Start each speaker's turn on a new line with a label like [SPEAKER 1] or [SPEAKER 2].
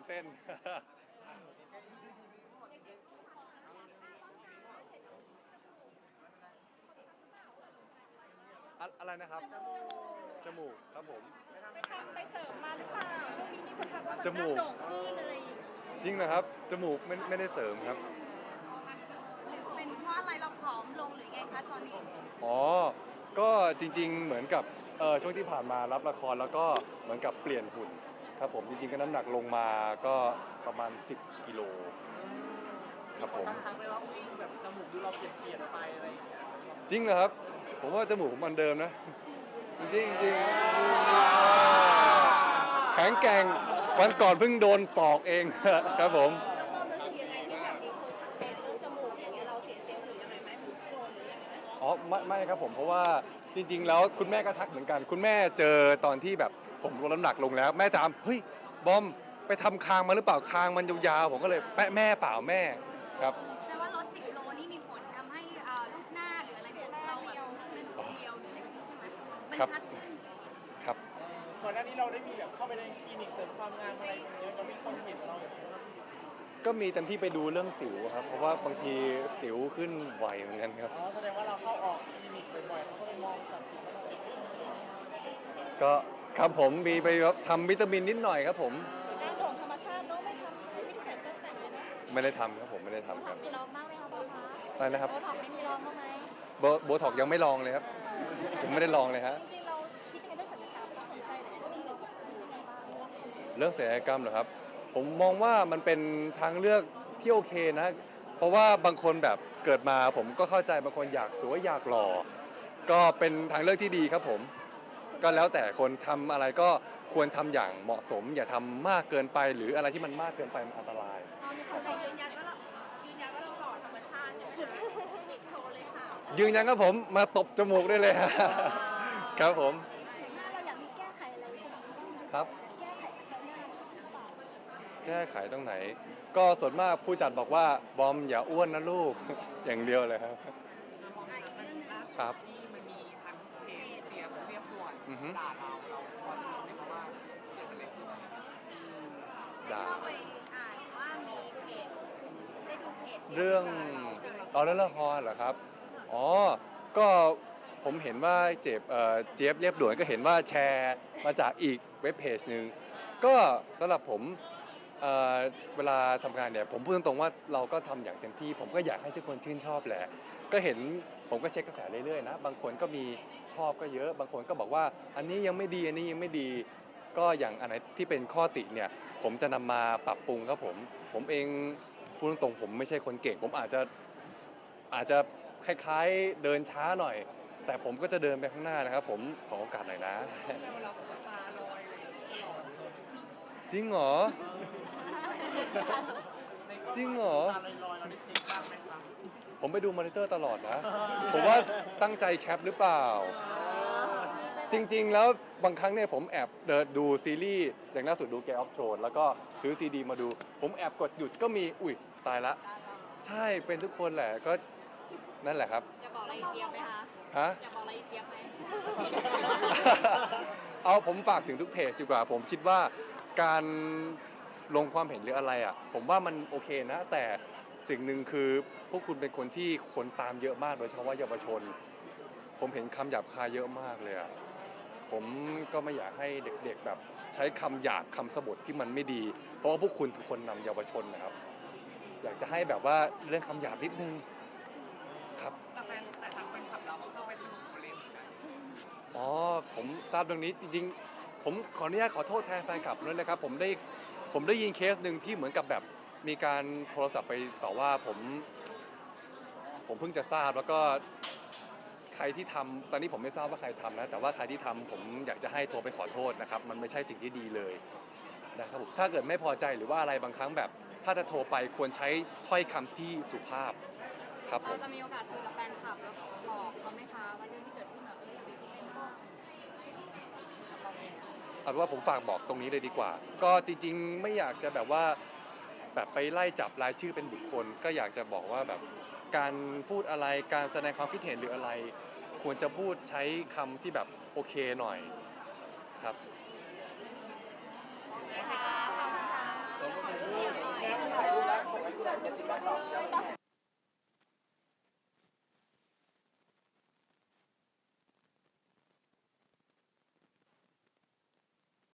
[SPEAKER 1] เต้น อะไรนะครับจมูกครับผม
[SPEAKER 2] ไปเสริมมาหรือเปล่าช่วงนี้มีคนทักว่าแบบ
[SPEAKER 1] จมูก
[SPEAKER 2] หน้าโด่งขึ้นอะไรอย่างเงี้ย
[SPEAKER 1] จริงนะครับจมูกไม่ได้เสริมครับ
[SPEAKER 2] หรือเป็นเพราะอะไรเราผอมลงหรือไงคะตอนนี้
[SPEAKER 1] อ๋อก็จริงๆเหมือนกับช่วงที่ผ่านมารับละครแล้วก็เหมือนกับเปลี่ยนหุ่นครับผมจริงๆก็น้ำหนักลงมาก็ประมาณ10กิโลครับผม
[SPEAKER 3] ทักไปว่าอุ้ยแบบจมูกดูเราเปลี่ยนไปอะไรอย่างเงี้ย
[SPEAKER 1] จริงเหรอครับผมว่าจมูกผมอันเดิมนะจริงๆจริงแข็งแกร่งวันก่อนเพิ่งโดนศอกเอง ครับผม
[SPEAKER 2] แล้วความรู้สึกยังไงที่แบบมีคนสังเกตเรื่องจมูกอย่างเงี้ยเราเสียเซลล์หรือยังไงไหมหรือโกรธหรือยังไงไหม
[SPEAKER 1] อ๋อไม่ครับผมเพราะว่าจริงๆแล้วคุณแม่ก็ทักเหมือนกันคุณแม่เจอตอนที่แบบผมลดน้ำหนักลงแล้วแม่ถามเฮ้ยบอมไปทำคางมาหรือเปล่าคางมันยาวๆผมก็เลยแม่เปล่าแม่ครับ
[SPEAKER 2] แต่ว่าลด10 โลนี่มีผลทำให้รูปหน้าหรืออะไรเนี่ยเราแบบเป็นเดียวหรืออะไรอย่างงี้ใช่ไหมมัน
[SPEAKER 1] ครับ
[SPEAKER 2] ชัดขึ้น
[SPEAKER 1] ครับ
[SPEAKER 3] ก่อนหน้านี้เราได้มีแบบเข้าไปในคลินิกเสริมความงามอะไรอย่างเงี้ยเรามีคนเห็นเราอย่างเงี้ย
[SPEAKER 1] ก็มีเต็มที่ไปดูเรื่องสิวครับเพราะว่าบางทีสิวขึ้นไหวเหมือนกันครับ
[SPEAKER 3] อ๋อแสดงว่าเราเข้าออกคลินิกบ่อยๆเขาก็เลยมองจับผิดว่าเราเป็น
[SPEAKER 1] ก็ครับผมมีไปทำวิตามินนิดหน่อยครับผม
[SPEAKER 2] หน้าโด่งธรรมชาติเนาะไม่ทำไม่ได้แต่งเครื่องแต่งเลยเนาะ
[SPEAKER 1] ไม่ได้ทำครับผมไม่ได้ทำครับ
[SPEAKER 2] มีลองบ้างไหมคะบอลคะ
[SPEAKER 1] อะไรนะครับ
[SPEAKER 2] โบท็อกไม่มีลองบ้างไหม
[SPEAKER 1] โบท็อกยังไม่ลองเลยครับผมไม่ได้ลองเลยฮะ
[SPEAKER 2] จริงๆเราคิดยังไงเรื่องศัลยกรรมเราสนใจแต่ก็มีเราแบบยังไงบ้าง
[SPEAKER 1] เรื่องศัลยกรรมเหรอครับผมมองว่ามันเป็นทางเลือกที่โอเคนะเพราะว่าบางคนแบบเกิดมาผมก็เข้าใจบางคนอยากสวยอยากหล่อก็เป็นทางเลือกที่ดีครับผมก็แล้วแต่คนทำอะไรก็ควรทำอย่างเหมาะสม อย่าทำมากเกินไปหรืออะไรที่มันมากเกินไปมันอันตราย
[SPEAKER 2] มีคนยืนยันว่าเราหล่อธรรมชาติใช่ไหมคะปิดโชว์เลยค่ะ
[SPEAKER 1] ยืนยันครับผมมาตบจมูกได้เลยครับผม
[SPEAKER 2] หน้าเราอยากมีแก้ไขอะไรตรงนี้บ้างไหม
[SPEAKER 1] ครับ
[SPEAKER 2] แก้ไขปัญหาหน้าหรือเปล่า
[SPEAKER 1] แก้ไขตรงไหน ก็ส่วนมากผู้จัดบอกว่าบอมอย่าอ้วนนะลูก อย่างเดียวเลยครับครับ
[SPEAKER 3] ที่มันมีทั้งเพจเสียงเรียบด่วน
[SPEAKER 1] อือฮึ
[SPEAKER 3] ด่าเราพอจะรู้ไหมคะว่าเกิดอะไรขึ้น
[SPEAKER 1] ด่า
[SPEAKER 2] เข้าไปอ่านว่ามีเพจได้ดูเพจ
[SPEAKER 1] เรื่องเรื่องละครเหรอครับอ๋อก็ผมเห็นว่าเจี๊ยบเรียบด่วนก็เห็นว่าแชร์มาจากอีกเว็บเพจหนึ่งก็สำหรับผมเอ่อเวลาทำงานเนี่ยผมพูดตรงๆว่าเราก็ทำอย่างเต็มที่ผมก็อยากให้ทุกคนชื่นชอบแหละก็เห็นผมก็เช็คกระแสเรื่อยๆนะบางคนก็มีชอบก็เยอะบางคนก็บอกว่าอันนี้ยังไม่ดีอันนี้ยังไม่ดีก็อย่างอันไหนที่เป็นข้อติเนี่ยผมจะนำมาปรับปรุงครับผมเองพูดตรงๆผมไม่ใช่คนเก่งผมอาจจะคล้ายๆเดินช้าหน่อยแต่ผมก็จะเดินไปข้างหน้านะครับผมขอโอกาสหน่อยนะ
[SPEAKER 3] เราตาลอยเลยตลอด
[SPEAKER 1] จริงเหรอ จริงเหรอ
[SPEAKER 3] ตาลอยๆเราได้เช็คบ้างไหมครับ
[SPEAKER 1] ผมไปดูมอนิเตอร์ตลอดนะ ผมว่าตั้งใจแคปหรือเปล่า จริงๆ แล้วบางครั้งเนี่ยผมแอบเดินดูซีรีส์อย่างล่าสุดดู Game of Thrones แล้วก็ซื้อซีดีมาดู ผมแอบกดหยุดก็มีอุ๊ยตายละ ใช่เป็นทุกคนแหละก็นั่นแหละครับ
[SPEAKER 2] จะบอกอะไรอีเจี๊ยบไหมคะ
[SPEAKER 1] ฮะ
[SPEAKER 2] อยากบอกอะไรอีเจี๊ยบไหม
[SPEAKER 1] เอาผมฝากถึงทุกเพจดีกว่าผมคิดว่าการลงความเห็นหรืออะไรอ่ะผมว่ามันโอเคนะ แต่สิ่งหนึ่งคือพวกคุณเป็นคนที่คนตามเยอะมากโดยเฉพาะเยาวชน ผมเห็นคำหยาบคายเยอะมากเลยอ่ะผมก็ไม่อยากให้เด็กๆแบบใช้คำหยาบคำสบถที่มันไม่ดี เพราะว่าพวกคุณคือคนนำเยาวชนนะครับ อยากจะให้แบบว่าเรื่องคำหยาบนิดนึงครับ
[SPEAKER 3] แต่ทางแฟนคลับเราก็เข้าไปสนุกเล่นเหมือนกัน
[SPEAKER 1] อ๋อผมทราบเรื่องนี้จริงๆผมขออนุญาตขอโทษแทนแฟนคลับด้วยนะครับผมได้ยินเคสหนึ่งที่เหมือนกับแบบมีการโทรศัพท์ไปต่อว่าผมเพิ่งจะทราบแล้วก็ใครที่ทำตอนนี้ผมไม่ทราบว่าใครทำนะแต่ว่าใครที่ทำผมอยากจะให้โทรไปขอโทษนะครับมันไม่ใช่สิ่งที่ดีเลยนะครับผมถ้าเกิดไม่พอใจหรือว่าอะไรบางครั้งแบบ ถ้าจะโทรไปควรใช้ถ้อยคำที่สุภาพครับผ
[SPEAKER 2] เรา
[SPEAKER 1] ม
[SPEAKER 2] จะมีโอกาสคุยกับแฟนคลับแล้วบอกเขาไหมคะว่าเรื่องที่เกิดขึ้นอยากให้เขาเป็นบ้าง
[SPEAKER 1] เอาเป็นว่าผมฝากบอกตรงนี้เลยดีกว่า ก็จริงๆไม่อยากจะแบบว่าแบบไปไล่จับรายชื่อเป็นบุคคล ก็อยากจะบอกว่าแบบการพูดอะไรการแสดงความคิดเห็นหรืออะไร ควรจะพูดใช้คำที่แบบโอเคหน่อยครับ
[SPEAKER 2] นะคะ